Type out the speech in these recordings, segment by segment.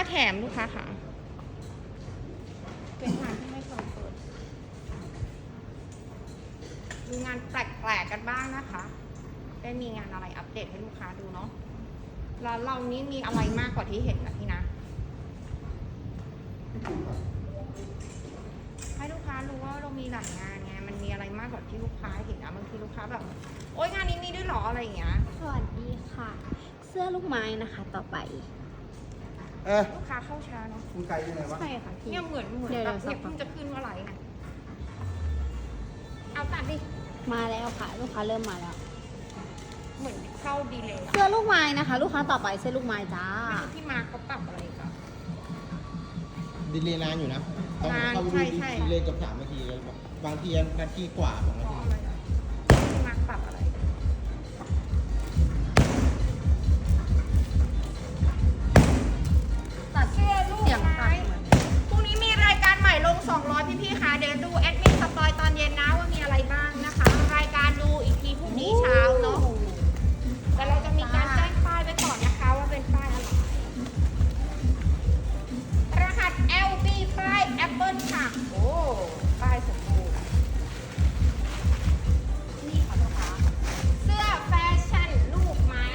แถมลูกค้าค่ะเป็นงานที่ไม่เคยเปิดดูงานแปลกๆกันบ้างนะคะได้มีงานอะไรอัปเดตให้ลูกค้าดูเนาะแล้วเรานี้มีอะไรมากกว่าที่เห็นนะพี่นะให้ลูกค้ารู้ว่าเรามีหลายงานไงมันมีอะไรมากกว่าที่ลูกค้าเห็นนะบางทีลูกค้าแบบโอ๊ยงานนี้มีด้วยหรออะไรอย่างเงี้ยสวัสดีค่ะ เสื้อลูกไม้นะคะต่อไปลูกค้าเข้าช้าเนาะคุณไกลยังไงวะใช่ค่ะพี่เนี่ยเหมือนแบบเนี่ยเพิ่งจะขึ้นว่าอะไรนะเอาตัดดิมาแล้วค่ะ ลูกค้าเริ่มมาแล้วเหมือนเข้าดีเลยอะเสื้อลูกไม้นะคะ ลูกค้าต่อไปเสื้อลูกไม้จ้าไม่รู้ที่มาเขาปรับอะไรกันดีเลยนานอยู่นะต้องนานเข้าใช่ใช่ดีเลยกับ3 นาทีแล้วบางทีนาทีกว่า2 นาเพราะทีอะไรอะที่มาปรับอะไรตัดเสื้อลูกเสียงไม้ตัดเหมือนพรุ่งนี้มีรายการใหม่ลง200พี่ๆค่ะเดี๋ยวดูแอดมินสปอยตอนเย็นนะว่ามีอะไรบ้างนะคะ รายการดูอีกทีพรุ่งนี้เช้าเนาะแต่เราจะมีการแจ้งป้ายไว้ก่อนนะคะว่าเป็นป้ายอะไร รหัส LB ป้าย Apple ค่ะ โอ้ ป้ายสมบูรณ์นี่ค่ะลูกค้าเสื้อแฟชั่นลูกไม้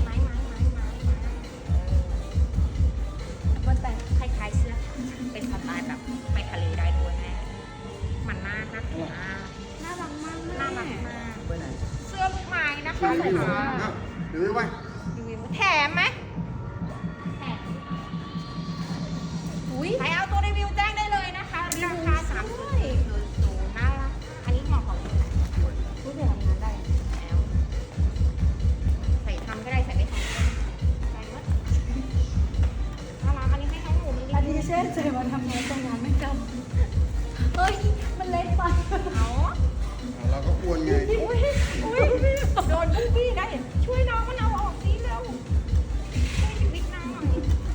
มันแต่คล้ายๆเสื้อ เป็นสไตล์แบบไปทะเลได้ด้วยแม่มันน่ารักมากน่ารักมากน่ารักมากไปไหนเสื้อลูกไม้นะคะรีวิวลูกค้าอ้าวรีวิวไว้แถมไหมแถมอุ้ยใครเอาตัวรีวิวแจ้งได้เลยนะคะราคา3.0น่ารักอันนี้เหมาะกับพูดถึงทำงานได้แล้วใส่ทำก็ได้ใส่ไม่ทำก็ได้ใส่หมดน่ารักอันนี้ให้น้องหนูมีอันนี้เช่ใจมาทำงานตรงงานไม่จำเฮ้ย มันเล็กไปเอาเราก็ควรไงอุ้ยโดนบุ้งบี้ได้ช่วยน้องมันเอาออกสิเร็วช่วยชีวิตน้องหน่อย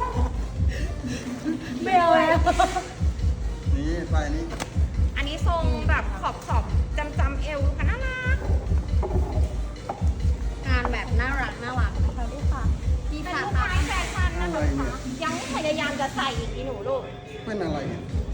ไม่เอาแล้วนี่ใส่นี่อันนี้ทรงแบบขอบจำเอวค่ะน่ารักงานแบบน่ารักนะคะลูกค้าพี่เป็นค่ะลูกไม้แฟชั่นนะคะลูกค้ายังพยายามจะใส่อีกอีหนูลูกเป็นอะไรเนี่ย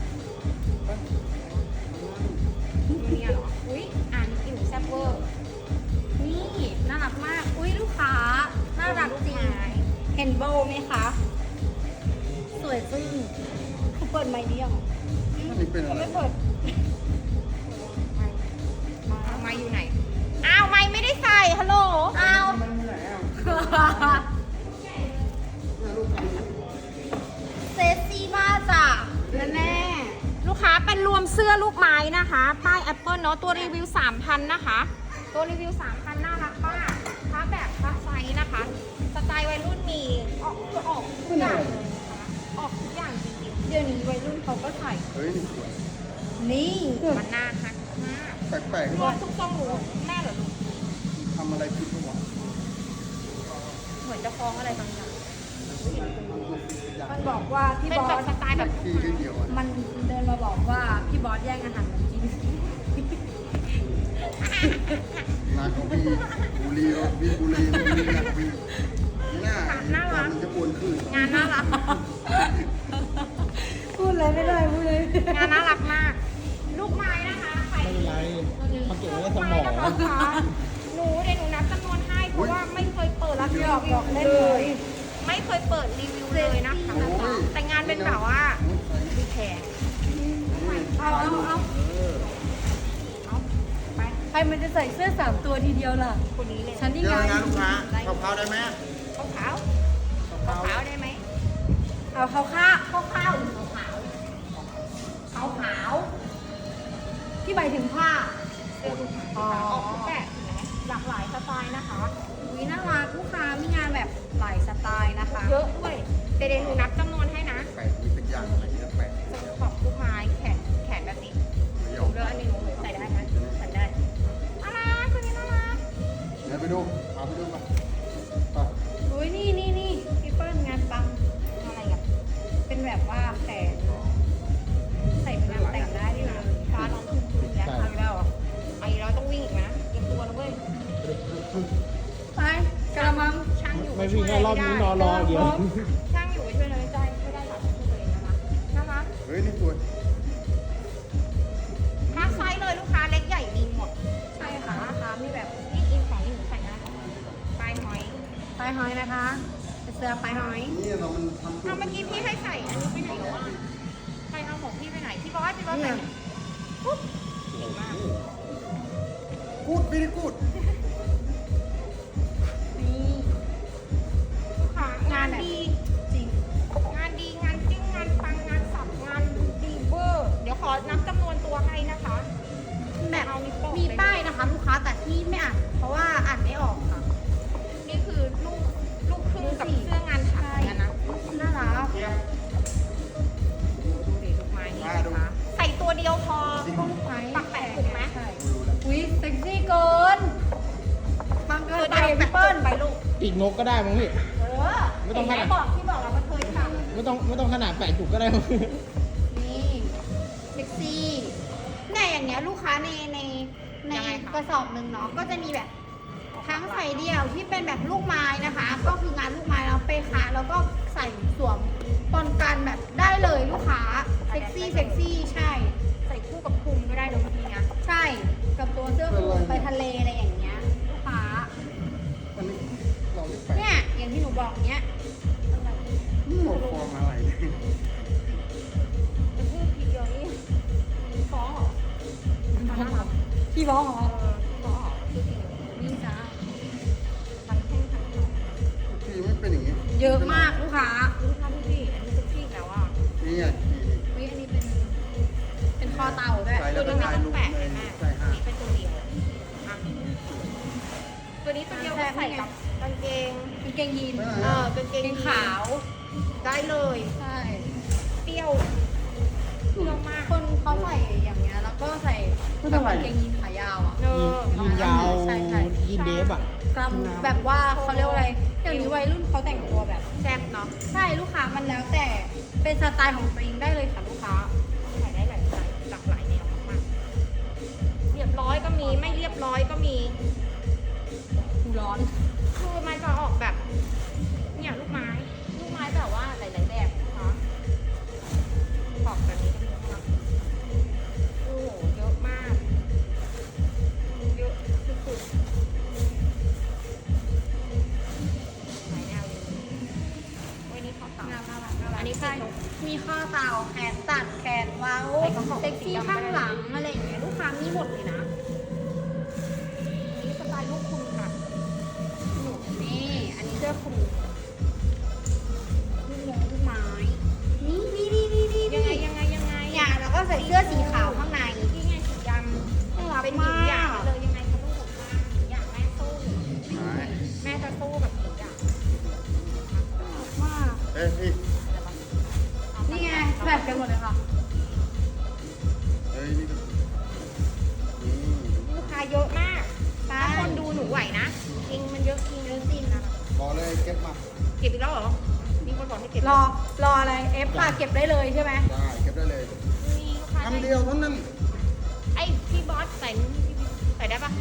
เนี่ยเหรอ อุ้ยอ่านอีหนูแซ่บเวอร์นี่น่ารักมาก อุ้ยลูกค้า น่ารักจริง เห็นโบว์ไหมคะ สวยจึ้งเปิดไมค์นี้ยังอันนี้เป็นอะไรไม่เปิดไม่อยู่ไหน อ้าวไม่ได้ใส่ ฮัลโหล อ้าวมันมีไหนอ่ะเซซี่มากจ้ะแม่ลูกค้าเป็นรวมเสื้อลูกไม้นะคะ ป้ายแอปเปิลเนาะ ตัวรีวิว 3,000 นะคะ ตัวรีวิว 3,000 น่ารักมากค้าแบบค้าไซส์นะคะ สไตล์วัยรุ่นมีออกทุกอย่างเลยนะคะออกทุกอย่างจริงเดี๋ยวนี้วัยรุ่นเขาก็ใส่เฮ้ยนี่สวยนี่ๆมันน่ารักมากแปลกรวมทุกทรงหนูแม่เหรอลูกๆทำอะไรผิดปะวะเหมือนจะฟ้องอะไรบางอย่างมันบอกว่าพี่เป็นบอแบบสสไตล์แบบที่แค่เดียวอ่ะมันเดินมาบอกว่าพี่บอสแย่งอาหารผมกินนาก็บุรีบุรีหน้ามันจะอ้วนขึ้นงานน่ารักพูดเลยไม่ได้พูดเลยงานน่ารักมาก ลูกไม้นะคะใครไม่เป็นไรเขาเก็บไว้ในสมไม้องนะคะหนูเดี๋ยวหนูนับจำนวนให้เพราะว่าไม่เคยเปิดรีวิวบอกได้เลเลยย ไม่เคยเปิดรีวิวเลยนะคะ แต่งานเป็นแบบว่าดีแพงเอาเอาไปใครมันจะใส่เสื้อ3 ตัวทีเดียวล่ะคนนี้เลยฉันนี่เดี๋ยวไงงานลูกค้าเผาๆได้ไหมขาวขาวได้ไหมเอาเขาฆ่าขาวหรือขาวขาวที่หมายถึงผ้าเสื้อลูกไม้ออกทุกแบบหลากหลายสไตล์นะคะวิน่ารักลูกค้ามีงานแบบหลายสไตล์นะคะเยอะด้วยเดี๋ยวหนูนับจำนวนให้นะแปลกมีเป็นอย่างอะไรเนี่ยแปลกขอบลูกไม้แขนแบบนี้เดี๋ยวเลือกอันนี้หนูใส่ได้ไหมใส่ได้น่ารักตัวนี้น่ารักเดี๋ยวไปดูพาไปดูมาไปอุ้ยนี่พี่เปิ้ลงานปังอะไรอ่ะเป็นแบบว่าแขนใส่เป็นงานแต่งได้ด้วยนะฟ้าน้องคุณอีกแล้วเอาอีกแล้วเหรอเอาอีกแล้วต้องวิ่งอีกนะเตรียมตัวนะเว้ยไปกระมังช่างอยู่ไม่วิ่งแค่รอบนี้นอนรอเดี๋ยวช่างอยู่ช่วยเลยไม่ได้ไม่ได้หรอกเฮ้ยนี่สวยมาไซส์เลยลูกค้าเล็กใหญ่มีหมดใช่ค่ะราคามีแบบนี่อินของนี่หนูใส่ได้ปลายหอยปลายหอยนะคะเป็นเสื้อปลายหอยนี่เรามันทำเอาเมื่อกี้พี่ให้ใส่อันนี้ไปไหนแล้วอ่ะใครเอาของพี่ไปไหนพี่บอสใส่ปุ๊บเก่งมากกูดไม่ได้กูดนี่ลูกค้างานดีจริงงานดีงานจริงงานปังงานสับงานดีเวอร์เดี๋ยวขอนับจำนวนตัวให้นะคะแบบเอานิ้วโป้งมีป้ายนะคะ ลูกค้าแต่ที่ไม่อ่านเพราะว่าอ่านไม่ออกค่ะนี่คือลูกครึ่งกับเสื้องานถักกันนะน่ารักดูดิลูกไม้นี่นะคะใส่ตัวเดียวพอก็ลูกไม้ปักแปะถูกไหมใช่อุ้ยเซ็กซี่เกินปังเกิตัวนไปเดียวแบพี่บเปิ้ลไปลูกปีกนกก็ได้มั้งพี่เออไม่ต้องเห็นไหมขนาดบอกที่บอกเรามันเคยทำไม่ต้องขนาดแปะจุกก็ได้มั้งนี่เซ็กซี่เนี่ยอย่างเงี้ยลูกค้าในกระสอบหนึ่งเนาะก็จะมีแบบทั้งใส่เดี่ยวที่เป็นแบบลูกไม้นะคะ ก็คืองานลูกไม้แล้วไปค่ะแล้วก็ใส่สวมปนกันแบบได้เลยลูกค้าเซ็กซี่ใช่ใส่คู่กับคลุมก็ได้เลยบางทีนะใช่กับตัวเสื้อคลุมไปทะเลอะไรอย่างเงี้ยลูกค้าอันนี้เราเรียกแปะเนี่ยอย่างที่หนูบอกเนี้ยนี่เราฟอร์มอะไรเนี่ยจะพูดทีเดียวนี่ฟ้องเหรอฟ้องเหรอพี่บอกเหรอฟ้องเหรอคือทีเดียวนี่จ้าทั้งแท่งทั้งหมดทีไม่เป็นอย่างงี้เยอะมากลูกค้าลูกค้าพี่อันนี้เซ็กซี่แล้วอ่ะนี่อ่ะทีวิอันนี้เป็นคอเต่าด้วยใส่ตัแล้ว วนี้ก็ไม่ถ่ายต้องรูปแปะเลเลยยแม่ใส่อัห้านนี้เป็นตัวเดียวอ่ะตัวนี้ตัวเดียวก็ใส่กับกางเกงเป็นเกงยีนกางเกงเกงขาวได้เลยใช่เปรี้ยวเปรี้ยวมากคนเขาใส่อย่างเงี้ยแล้วก็ใส่แบบกางเกงยีนขายาวอ่ะเออยีนยาวใช่ยีนเดฟอ่ะกำแบบว่าเขาเรียกว่าอะไรอย่างนี้วัยรุ่นเขาแต่งตัวแบบแซ่บเนาะใช่ลูกค้ามันแล้วแต่เป็นสไตล์ของตัวเองได้เลยค่ะลูกค้าใส่ได้หลากหลายแนวมากๆเรียบร้อยก็มีไม่เรียบร้อยก็มีหูร้อนคือมันจะออกแบบเนี่ยลูกไม้แบบว่าหลายๆแบบนะคะขอบแบบนี้ก็มีนะคะโอ้โหเยอะมากเยอะสุดๆหลายแนวเลยโอ้ยนี่ขอบตาน่ารักอันนี้ใช่ใส่มีข้อเต่าแขนตัดแขนเว้าใส่กระเป๋าเซ็กซี่ข้างหลังอะไรอย่างเงี้ยลูกค้ามีหมดเลยนะนี่สไตล์ลูกคุณค่ะนี่อันนี้เสื้อคลุมลูกไม้นี่ยังไงเนี่ยแล้วก็ใส่เสื้อสีขาวข้างในนี่ไงสีดน่ารัำกเป็นหญิมางหยางกเลยยังไงคะลูกมาหญิงหยางแม่สู้หายแม่จะสู้แบบหญิงหยางมากเอ้ยพี่นี่ไงแบบกันหมดเลยค่ะเฮ้ยนี่ก็นี่ลูกค้าเยอะมาก ถ้าคนดูหนูไหวนะจริงมันเยอะจริงนะบอกเลยเก็บมาเก็บอีกแล้วเหรอ มีคนบอกให้เก็บรออะไรเอฟค่ะเก็บได้เลยใช่ไหมได้เก็บได้เลยมีลูกค้าคำเดียวเท่านั้นไอพี่บอสใส่ใส่ได้ปะ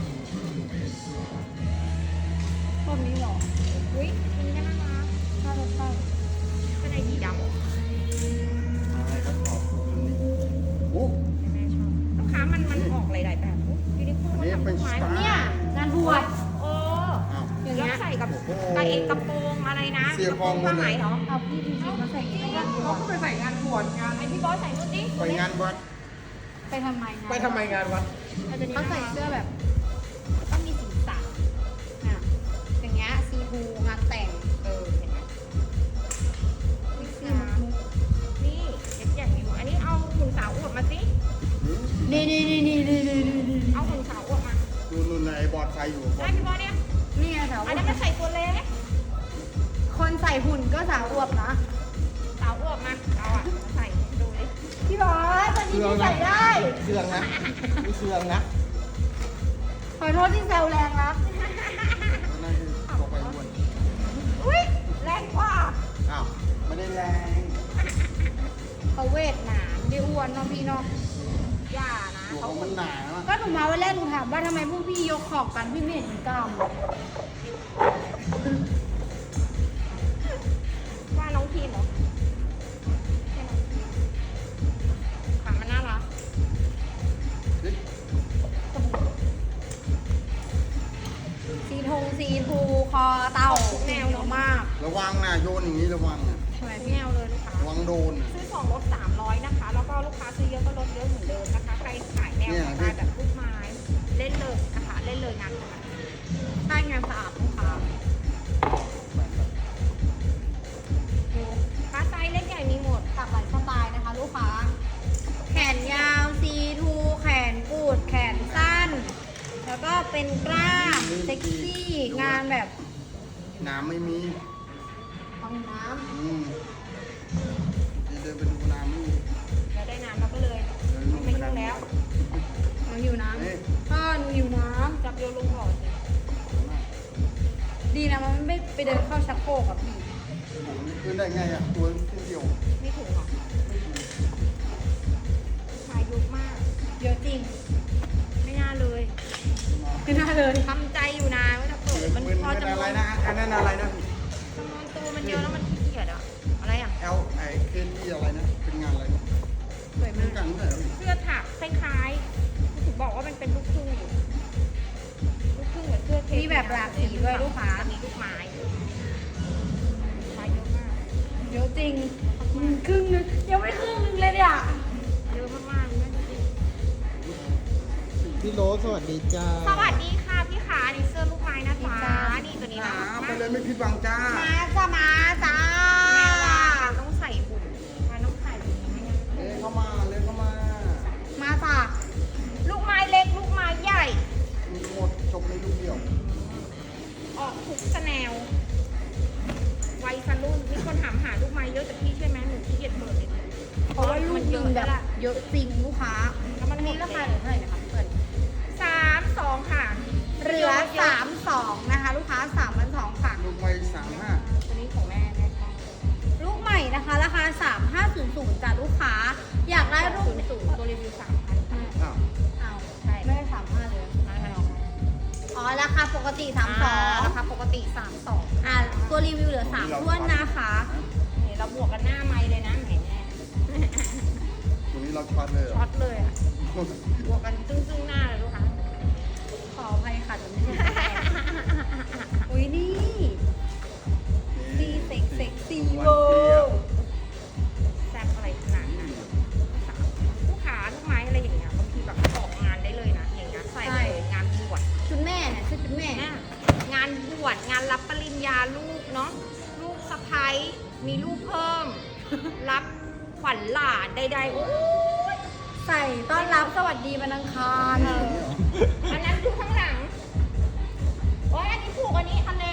แบบนี้หรออุ้ยอันนี้น่ารักน่าจะใช่ข้างในสีดำอะไรครับขอบคุณนี่โอ้แม่ชอบลูกค้ามันออกหลายๆแบบยูนิโคลอันนี้ทำเป็ลูนกไม้สไตล์เนี่ยงานบวชโอ้อ้าวอย่างแล้เงี้วย ใส่กับกระเองกระโปรงอะไรนะเสียกระพโปอรง งหมดผ้าเลยไหมเหรอเอาพี่จริงๆมาใส่อย่างนี้เขาก็ไปใส่งานบวชงานไอพี่บอสใส่นู่นดิไปงานวัดไปทำไมไปทำไมงานวัดเขาใส่เสื้อแบบต้องมีสีสันอ่ะอย่างเงี้ยซีบูงานแต่งเห็นไหมนี่สีนี่เด็กอย่างนี้อันนี้เอาหุ่นสาวอวดมาสินี่เอาหุ่นสาวอวดมานู่นๆไอ้บอดไฟอยู่บอได้ดพี่บอสเนี่ยนี่ไงสาวอันนั้นมันใส่ตัวเล็กคนใส่หุ่นก็สาวอวบนะสาวอวดมาเอาอ่ะมาใส่ดูดิพี่บอสตอนนี้พี่ใส่ได้เครื่องนะมีเครื่องนะขอโทษที่แซวแรงนะนั่นคือบอกไปอ้วนอุ้ยแรงกว่าอ้าวไม่ได้แรงเขาเวทหนาไม่ได้อ้วนเน้องพี่เนาะอย่านะตัวเขาของมันหนาอะก็หนูมาวันแรกหนูถามว่าทำไมพวกพี่ยกของกันพี่ไม่เห็นมีกล้ามว่าน้องพีมเหรอใช่น้องพีมหน้าโยนอย่างนี้ระวังอ่ะทำไมพี่แอลเลยลูกค้าระวังโดนอ่ะซื้อ2ลด300นะคะ แล้วก็ลูกค้าซื้อเยอะก็ลดเยอะเหมือนเดิมนะคะ ใครขายแนวสไตล์แบบลูกไม้เล่นเลยนะคะ เล่นเลยงานนะคะใช่งานสะอาดลูกค้าฟ้าไซส์เล็กใหญ่มีหมดหลากหลายสไตล์นะคะ ลูกค้า แขนยาวซีทูแขนกูดแขนสั้น แล้วก็เป็นกล้ามเซ็กซี่งานแบบน้ำไม่มีห้องน้เดินไปดูน้ำไม่มีเราได้น้ำเราก็เลยไม่ยุ่งแล้วำหนูหิวน้เอ๊ะำก็หนูหิวน้จับโยนลงบ่อสิำดีนะมันไม่ไปเดินเข้าชักโครกกับพี่ผมขึ้นได้ไงอ่ะตัวขึ้นเดียวไม่ถูกหรอกชายยุกมากเยอะจริงไม่น่าเลยไม่น่าเลยทำใจอยู่นะว่าจะเปิดมันพอจำนอะไรวนนะอันนั้นอะไรนะจำนวนตัวมันเยอะแล้วมันขี้เกียจอะอะไรอะ L ไอเคที่อะไรนะเป็นงานอะไรนะสวยเป็มาน กกันเท่าไหร่เสื้อถักคล้ายๆถึงบอกว่ามันเป็นลูกครึ่งอยู่ลูกครึ่งเหมือนเสื้อเทปมีแบบหลากสีด้วยลูกค้ามีลูกไม้ชายเยอะมากเยอะจริงครึ่งนึงยังไม่ครึ่งนึงเลยเนี่ยเยอะมากๆเลยนะจริงพี่โรสสวัสดีจ้าสวัสดีค่ะพี่ขานี่เสื้อลูกไม้นะจ๊ะนี่ตัวนี้นะไปเลยไม่ผิดหวังจ้ามาจ้ามาจ้าแม่ว่าต้องใส่บุญมันต้องใส่บุญไม่งั้นเอ้เข้ามาเลยเข้ามามาจ้าลูกไม้เล็กลูกไม้ใหญ่มีหมดจบในลูกเดียวออกทุกสแนววัยรุ่นมีคนถามหาลูกไม้เยอะแต่พี่ใช่ไหมหนูขี้เกียจเปิดเลยเพราะว่าลูกมันหเยนึอะงแบแบบ บเยอะจริงลูกค้าแล้วมันอันหมนี้ดราคาเลยเหลือเท่าไหร่นะคะเปิด 3-2 ค่ะเหลือ32นะคะ ลูกค้า3,200ค่ะลูกไป35 ตัวนี้ของแม่ชอบลูกใหม่นะคะ ราคา3500จ้ะลูกค้า อยากได้รูปสูงตัวรีวิว 3,000ค่ะอ้าวเอาใช่ไม่ได้35เลยมาให้น้องอ๋อราคาปกติรา 32 คาปกติ 32 อ่ะตัวรีวิวเหลือ3ท้วนนะคะนี่เราบวกกันหน้าไม้เลยนะแหมตัวนี้เราช็อตเลยเหรช็ออตเลยอ่ะบวกกันซึ่งหน้าเลยลูกค้าขออภัยค่ะจะไม่ใช่อุ้ยนี่ซีเซ็กซี่เวอร์แซ่บอะไรขนาดนั้นลูกค้าลูกไม้อะไรอย่างเงี้ยบางทีแบบออกงานได้เลยนะอย่างเงี้ยใส่ไปเลยงานบวชชุดแม่เนี่ยชุดแม่งานบวชงานรับปริญญาลูกเนาะลูกสะพ้ายมีลูกเพิ่ม รับขวัญหลานใดๆโอ้ยใส่ต้อนรับสวัสดีวันอังคารอันนั้นดูข้างหลังโอ้ยอันนี้ผูกอันนี้ทะเล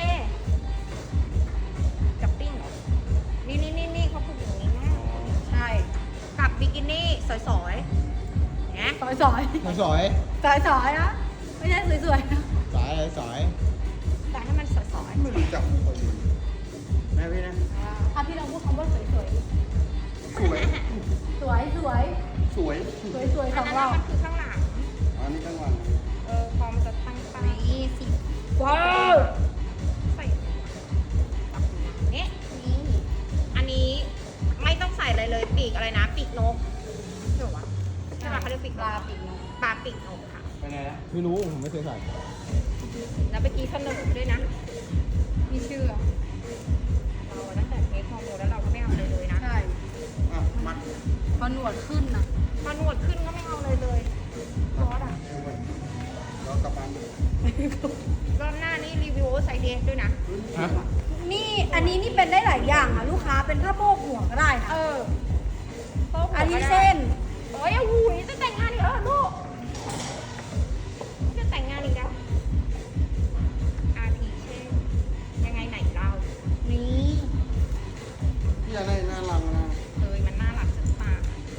กับปิ้งเหรอนี่เขาผูกอย่างนี้นะใช่กับบิกินี่สวยๆเนี่ยสอยสอยนะไม่ใช่สวยๆนะสายอะไรสายแต่ให้มันสวยไม่รู้จักคนอื่นแม่พี่นะถ้าพี่ลองพูดคำว่าสวยสวยๆสวยสวยสวยๆสอัอน งนั้นเรามันคือข้างหลังอันนี้ทั้งวันพอมันจะตั้งป้ายนี่สิว้าวใส่นี่นี่อันนี้ไม่ต้องใส่อะไรเลยปีกอะไรนะปีกนกใช่ปะใช่ปะเขาเรียกปีกปนลาก ปีกนกปลาปีกนกค่ะไปไหนนะไม่รู้ผมไม่เคยใส่แล้วเมื่อกี้เสนอด้วยนะมีชื่อเราตั้งแต่เทคฮอร์โมนแล้วเราก็ไม่เอาเลยเลยนะใช่อ่ะมัดพอหนวดขึ้นนะพอหนวดขึ้นก็ไม่เอาเลยเลยซอสอ่ะเรากลับบ้านรอบหน้านี่รีวิวใส่เดสด้วยนะฮะนี่อันนี้นี่เป็นได้หลายอย่างอ่ะลูกค้าเป็นผ้าโพกหัวก็ได้นะโต๊ะหัวอันนี้ก็ได้เส้นโอ้ยหูยจะแต่งงานอีกแล้วเหรอลูกจะแต่งงานอีกแล้วอาทีเช่นยังไงไหนเรานี่พี่อะไรน่ารักนะเลยมันน่ารักจังตา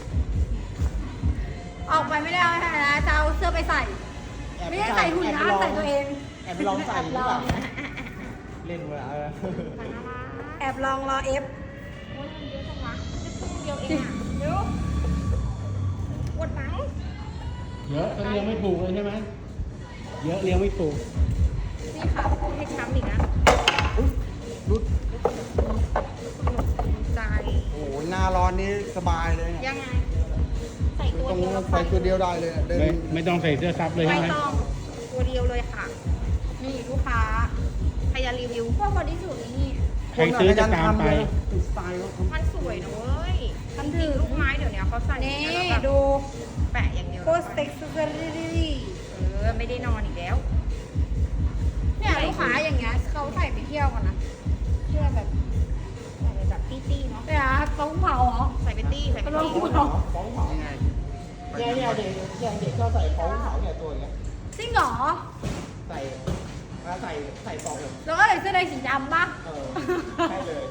ออกไปไม่ได้เอาให้นะจะเอาเสื้อไปใส่ ไม่ได้ใส่หุ่นนะใส่ตัวเองแอบไปลองใส่หรือเปล่าเล่นเวลามันน่ารักแอบลองรอเอฟโอ้ยมันเยอะจังวะจะครึ่งเดียวเองอ่ะเดี๋ยวปวดหลังเยอะก็เลี้ยงไม่ถูกเลยใช่ไหมเยอะเลี้ยงไม่ถูกนี่ค่ะให้ช้ำอีกนะรุดใจโอ้โหหน้าร้อนนี้สบายเลยเนี่ยยังไง ใส่ตัวตรงเดียวแล้วใส่ตัวเดียวได้เลยเดินไม่ต้องใส่เสื้อซับเลยไม่ใช่ไหมต้องตัวเดียวเลยค่ะนี่ลูกค้าใครจะรีวิวพวกบอดี้สูทนี่ใครซื้อจะตามไปติดสไตล์ว่ามันสวยนะเว้ยทำถึงลูกไม้เดี๋ยวนี้เขาใส่นี่แล้วแบบดูแปะอย่างเดียวโคสเต็กซูเปอร์รีไม่ได้นอนอีกแล้วเนี่ยลูกค้าอย่างเงี้ยเขาใส่ไปเที่ยวกันนะเที่ยวแบบใส่ไปแบบตี้ๆเนาะเนี่ยต้องเผาเหรอใส่ไปตี้ใส่ไปลองตี้ดูเนาะฟ้องเผายังไงเนี่ยเด็กอย่างเด็กก็ใส่ฟ้องเผาเนี่ยตัวอย่างเงี้ยจริงเหรอใส่ใส่ปอกเลยแล้วก็ใส่เสื้อในสีดำป่ะใช่เลย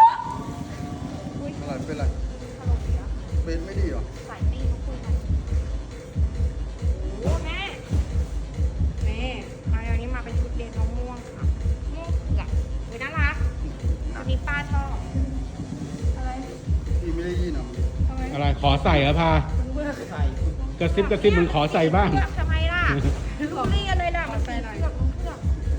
อะไรเป็นไรเบนไม่ดีเหรอใส่ตี้เขาคุยกันโอ้แม่นี่มาเดี๋ยวนี้มาเป็นชุดเดทมะม่วงค่ะม่วงเผือกเฮ้ยน่ารักชุดนี้ป้าชอบอะไรพี่ไม่ได้ยินเหรอทำไมอะไรขอใส่เหรอพาเบื่อใส่กระซิบมึงขอใส่บ้างเผือกทำไมล่ะลูกเรียนเลยล่ะมันใส่เผือกมันเผือก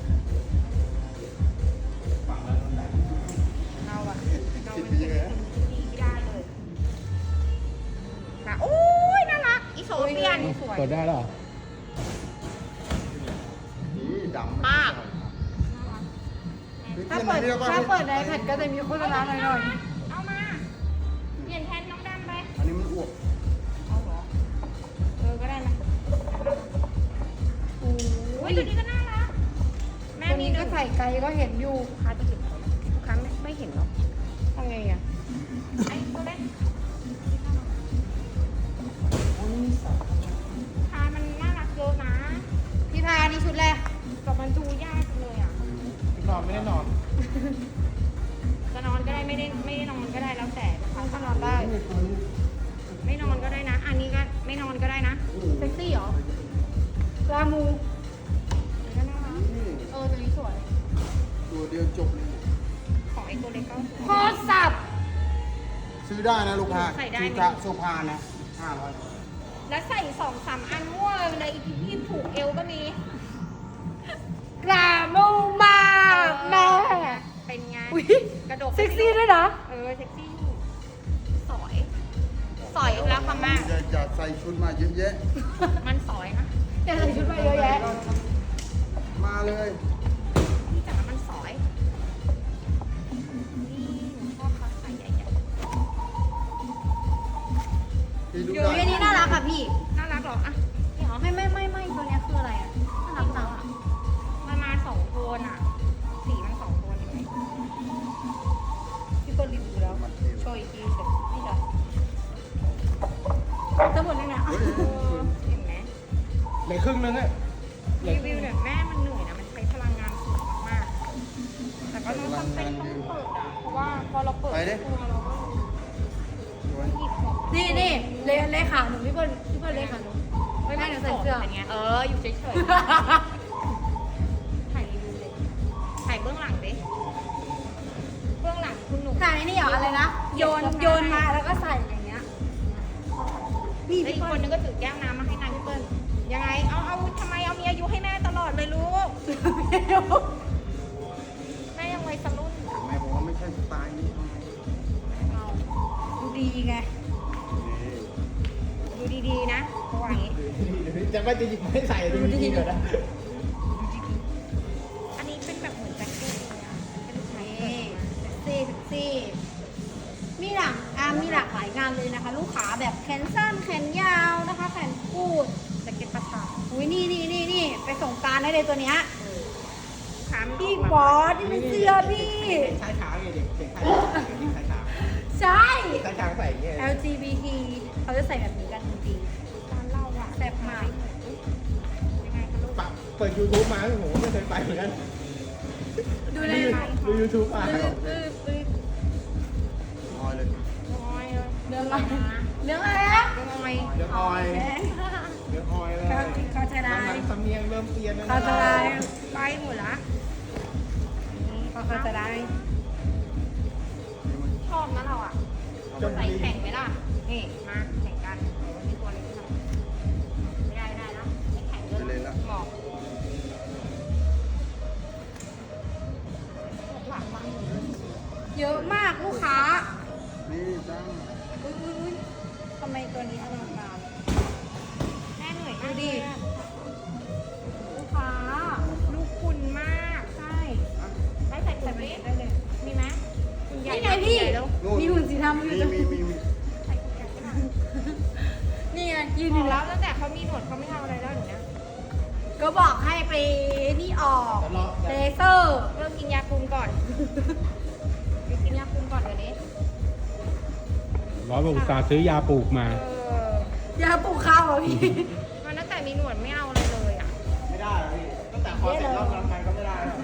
เราอะเราเป็นคนดีไม่ได้เลยค่ะโอ้ยน่ารักอีโซเฟียนสวยกดได้หรอนี่ดำมากถ้าเปิดในแผ่นก็จะมีโฆษณาหน่อยเอามา เปลี่ยนแทนน้องดำไปอันนี้มันอ้วกเอาเหรอก็ได้ไหมๆโอ้ยตัวนี้ก็น่ารัก แม่ตัวมีนี้หก็นึ่งใส่ไกลก็เห็นอยู่ลูกค้าจะเห็นไหมลูกค้าไม่เห็นหรอกทำไงอ่ะไอ้ตัวเล็กคามันน่ารักเยอะนะพี่พานี่ชุดแรกแต่มันดูยากจังเลยอ่ะนอนไม่ได้นอนจะนอนก็ได้ไม่ได้นอนก็ได้แล้วแต่นะคะถ้านอนได้ไม่นอนก็ได้นะ อันนี้ก็ไม่นอนก็ได้นะเซ็กซี่เหรอลามูอันนี้ก็น่ารักนี่ตัวนี้สวยตัวเดียวจบเลยของไอ้ตัวเล็กก็สวยโคตรสับซื้อได้นะลูกค้าใส่ได้ไหมซื้อกะโซฟานะ500 แล้วใส่2-3 อันมั่วเลยอีกที่ผูกเอวก็มีกรามูมากแม่เป็นไงอุ๊ยกระดกเซ็กซี่ด้วยนะเซ็กซี่อยู่สอย สอยอีกแล้วค่ะแม่อย่าใส่ชุดมาเยอะแยะมันสอยนะอย่าใส่ชุดมาเยอะแยะมาเลยพี่จ๋ามันสอยนี่หนูชอบคัสใส่ใหญ่พี่ดูอยู่ได้ในนี้น่ารักค่ะพี่ๆน่ารักเหรออ่ะนี่เหรอไม่ตัวเนี้ยคืออะไรอ่ะ น่ารักจังอะมันมา2 โทนอ่ะ สีมัน2 โทนเห็นไหมพี่เปิดรีวิวแล้วมันเที่ยวโชว์อีกทีเสร็จนี่จ้ะทั้งหมดเลยนะเฮ้ยเห็นไหมเหลือครึ่งนึงอ่ะรีวิวเนี่ยแม่มันเหนื่อยนะ มันใช้พลังงานสูงมากๆแต่ก็ต้องจำเป็นต้องเปิดอ่ะ เพราะว่าพอเราเปิดไปดิตัวเราก็สวยหยิบของนี่เลขาหนูพี่เปิดเลขาหนูไม่แม่หนูใส่เสื้อเป็นไงอยู่เฉยๆ ถ่ายรีวิวเลยถ่ายเบื้องหลังดิ เบื้องหลังคุณหนูใส่นี่เหรออะไรนะ โยนมาแล้วก็ใส่อย่างเงี้ย นี่แล้วพี่อีกเปิ้คนลนึงก็ถือแก้วน้ำมาให้นางพี่เปิ้ลยังไง เอาทำไมเอามีอายุให้แม่ตลอดเลยลูก แม่ยังวัยรุ่นแม่บอกว่าไม่ใช่สไตล์นี้ดูดีไงดูดีๆนะเขาว่าอย่างงี้จะไม่จะหยิบไม่ใส่ดูดีๆก่อนนะอันนี้เป็นแบบเหมือนแจ็คเก็ตเลยอะเป็นไซนี่ส์เซ็กซี่มีหลากหลายงานเลยนะคะ ลูกค้าแบบแขนสั้นแขนยาวนะคะ แขนกูดแจ็คเก็ตประสาทอุ้ยนี่ไปส่งกรารได้เลยตัวเนี้ยลูกค้ามันพี่กมาบอสนี่เป็นเสื้อพี่ใช้ขาไงเด็กใช้ขาใช่ใช้ขาใส่เงี้ย LGBT เขาจะใส่แบบนี้กันจริงร้านเราอะแซ่บมากยังไงคะลูกเปิด YouTube มาโอ้โหไม่เคยไปเหมือนกันๆดูในดู YouTube มาลอยเลยน้อยเลยเรื่องอะไรเรื่องอะไรนะน้อยเดี๋ยวออยเดี๋ยวออยเลยเขาจะได้สำเนียงเริ่มเปลี่ยนแล้วเขาจะได้ไปหมดละเขาจะได้ชอบนะเราอ่ะใส่แข่งไหมล่ะ นี่ มาแข่งกันมีตัวนี้ทำไม่ได้นะไม่แข่งด้วยไปเลยละหมอกหลังบ้างเยอะมากลูกค้านี่จ้าอุ้ยทำไมตัวนี้อลังการแม่เหนื่อยดูมากดิเลยอะลูกค้าลูกคุณมากใช่ได้ใส่ใส่ถุงไปนี้ได้เลยมีไหมไงพี่นู่นมีหุ่นสีดำอยู่ตรงมีนี่ไงยืนบออยู่ กแล้แล้ว วตั้งแต่เขามีหนวดเขาไม่ทำอะไรแล้วอย่างเนี้ยก็บอกให้ไปนี่ออกเลเซอร์เริ่มกินยาคุมก่อนไปกินยาคุมก่อนเดี๋ยวนี้ร้อยบอกอุตส่าห์ซื้อยาปลูกมายาปลูกข้าวเหรอพี่มันตั้งแต่มีหนวดไม่เอาอะไรเลยอ่ะไม่ได้พี่ตั้งแต่คอเสร็จรอบนั้นไปก็ไม่ได้แล้ว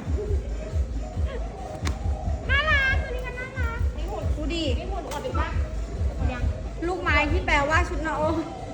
น่ารักตัวนี้ก็น่ารักนี่หุ่นดูดินี่หุ่นอดอยู่ปะยังลูกไม้ที่แปลว่าชุดนาโอ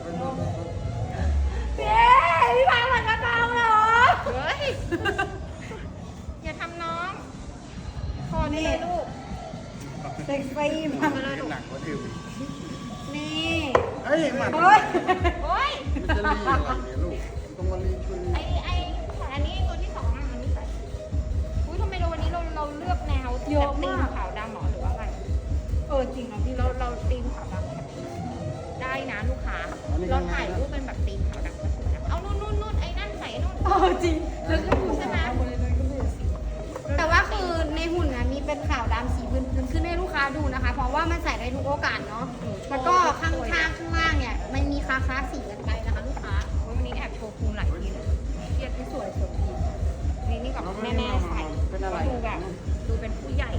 เย้พี่พาหลังกระเป๋าเหรอเฮ้ย อย่าทำน้องคอนี่เลยลูกเซ็กซี่มากมาเลยลูกหนักกว่าทิวอีกนี่เฮ้ยหมันเฮ้ยโอ้ยมันจะรีอะไรเนี่ยลูกต้องมารีช่วยรีอันนี้ตัวที่สองอ่ะมันไม่ใส่อุ้ยทำไมเราวันนี้เราเลือกแนวแบบตีมขาวดำหรอหรือว่าอะไรจริงนะพี่เราตีมขาวดำแบบได้นะลูกค้า เราถ่ายรูปเป็นแบบตีมขาวดำก็สวยนะเอานู่นไอ้นั่นใส่นู่นจริงแล้วก็หุ่นใช่ไหมแต่ว่าคือในหุ่นนะมีเป็นขาวดำสีพื้นขึ้นให้ลูกค้าดูนะคะ เพราะว่ามันใส่ได้ทุกโอกาสเนาะ แล้วก็ข้างล่างเนี่ยมันมีคาสีกันไปนะคะลูกค้าวันนี้แอบโชว์ภูมิหลายทีเลยเทียบที่สวยสวยดีนี่กับแม่ใส่ดูแบบดูเป็นผู้ใหญ่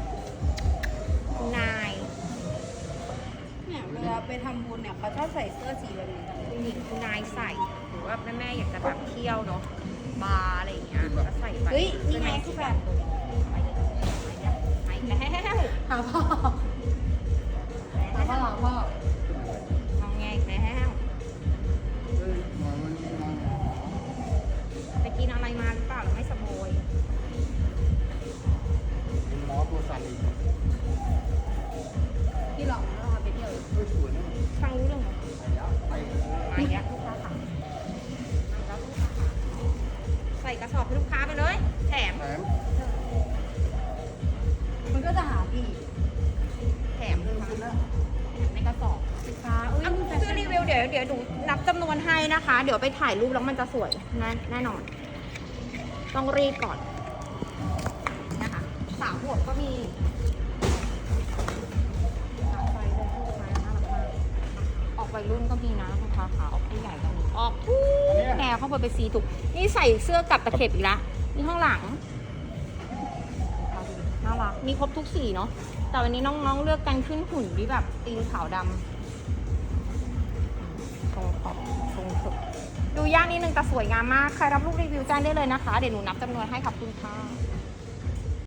นายเนี่ยเวลาไปทำบุญเนี่ยเขาชอบใส่เสื้อสีแบบนี้กันคุณหญิงคุณนายใส่หรือว่าแม่อยากจะแบบเที่ยวเนาะบาร์อะไรอย่างเงี้ยก็ใส่ไปเฮ้ยนี่ไงคือแบบไปแล้วหาพ่อหาพ่อหาพ่อมองไงแล้วเฮ้ยมามันมาไปกินอะไรมาหรือเปล่าหรือไม่สบายเป็นหมอตัวสั่นอีกพี่หลอกแล้วเราไปเที่ยวเฮ้ยสวยนะฟังรู้เรื่องไหมไปมาเยอะลูกค้าค่ะใส่กระสอบให้ลูกค้าไปเลย แถมแถมมันก็จะหาพี่แถมเลยค่ะแถมในกระสอบสินค้าอุ้ยเอาเสื้อรีวิวเดี๋ยวดูนับจำนวนให้นะคะ เดี๋ยวไปถ่ายรูปแล้วมันจะสวยแน่นอน ต้องรีบก่อนนะคะสาวหัวก็มีออกวัยรุ่นก็มีนะลูกค้าขาออกผู้ใหญ่ก็มีออกทุกแนวเข้าไปเป็นสีถูกนี่ใส่เสื้อกับตะเข็บอีกละนี่ข้างหลังน่ารักมีครบทุกสีเนาะแต่วันนี้น้องๆเลือกกันขึ้นหุ่นที่แบบตีนขาวดำทรงขอบทรงสุดดูยากนิดนึงแต่สวยงามมากใครรับลูกรีวิวแจ้งได้เลยนะคะเดี๋ยวหนูนับจำนวนให้ขอบคุณค่ะ